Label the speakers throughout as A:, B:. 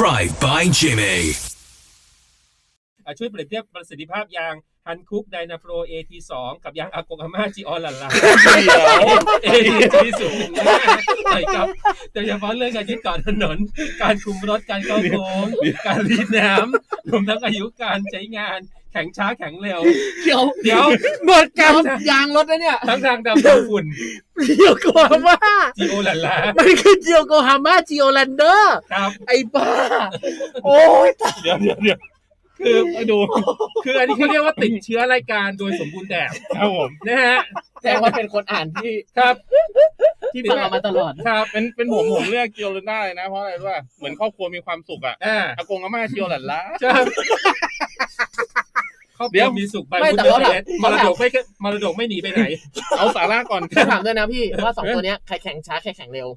A: Drive by Jimmy
B: ช่วยเปรียบเทียบประสิทธิภาพยางฮันคุกไดนาโปร AT2 กับยางอากงอาม่าจีออนหลันๆ AT0 ใช่ครับโดยเฉพาะเรื่องการยึดเกาะถนนการคุมรถการเข้าโค้งการรีดน้ำรวมทั้งอายุการใช้งานแข็งช้าแข็งเร็ว
C: เดี๋ยวหมดการยางรถแล้วเนี่ย
B: ทั้งทางดำทางฝุ่น
C: เจียวโกฮาม่า
B: จีโอหลันๆ
C: มันคือเจียวโกฮาม่าจีโอแลนเดอร์
B: ครับ
C: ไอ้บ้าโอ้ย
B: เดี๋ยวคือดูคืออันนี้เขาเรียกว่าติดเชื้อรายการโดยสมบูรณ์แบบ
D: ครับผม
B: นะฮะ
C: แต่ว่าเป็นคนอ่านที่
B: ครับ
C: ที่ฟังมาตลอด
B: ครับ
D: เป็นผมเลือกเกียวเลนได้นะเพราะอะไรรู้ป่ะเหมือนครอบครัวมีความสุขอ่ะอากงอาม่าเกียวหลันล้า
B: เดี๋ยวมีสุขไปแต่ว่ามรดกไม่หนีไปไหน
D: เอาสาระก่อน
C: ถามด้วยนะพี่ว่า2ตัวเนี้ยใครแข่งช้าใครแข่งเร็ว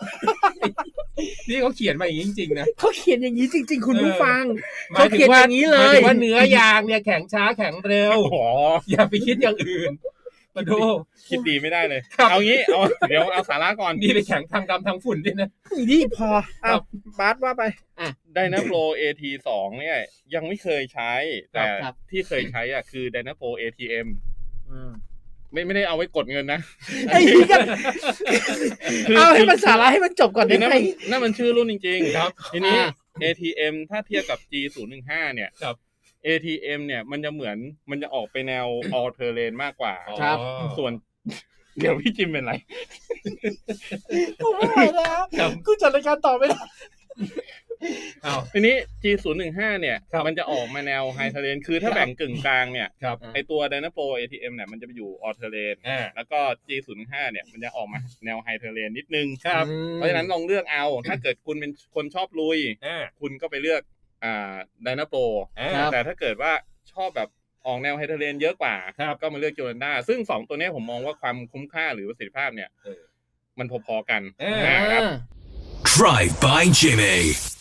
B: นี่เขาเขียนมาอย่างนี้จริงๆนะ
C: เขาเขียนอย่างนี้จริงๆคุณผู้ฟังเขาเขียนอย่างนี้เลย
B: ว่าเนื้อยางเนี่ยแข็งช้าแข็งเร็วอย่าไปคิดอย่างอื่นมาดู
D: คิดดีไม่ได้เลยเอางี้เดี๋ยวเอาสาระก่อน
B: นี่ไปแข่งทางดำทางฝุ่นด้วยนะ
C: นี่พอบาสว่าไป
D: Dynapro AT2 เนี่ยยังไม่เคยใช้แต่ที่เคยใช้อ่ะคือ Dynapro ATM ไม่ได้เอาไว้กดเงินนะ
C: ไอ้นี่กันเอาให้มันสาระให้มันจบก่อนได้ไหม
D: นั่นมันชื่อรุ่นจริง
B: ๆครับ
D: ทีนี้ ATM ถ้าเทียบกับ G015 เนี่ยATM เนี่ยมันจะออกไปแนว all terrain มากกว่า
C: ครับ
D: ส่วนเดี๋ยวพี่จิมเป็นไร
C: กูไม่ไหวแล้วกูจัดรายการต่อไม่ได้
D: ทีนี้ G015 เนี่ยมันจะออกมาแนว high terrain คือถ้าแบ่งกึ่งกลางเนี่ยไอตัว Dynapro ATM เนี่ยมันจะไปอยู่ all terrain แล้วก็ G05 เนี่ยมันจะออกมาแนว high terrain นิดนึงเพราะฉะนั้นลองเลือกเอาถ้าเกิดคุณเป็นคนชอบลุยคุณก็ไปเลือกDynapro แต่ถ้าเกิดว่าชอบแบบออกแนวไฮเทอร์เรนเยอะกว่าก็มาเลือกโจลันด้าซึ่ง2ตัวนี้ผมมองว่าความคุ้มค่าหรือประสิทธิภาพเนี่ยมันพอๆกันนะครับ
A: Drive by Jimmy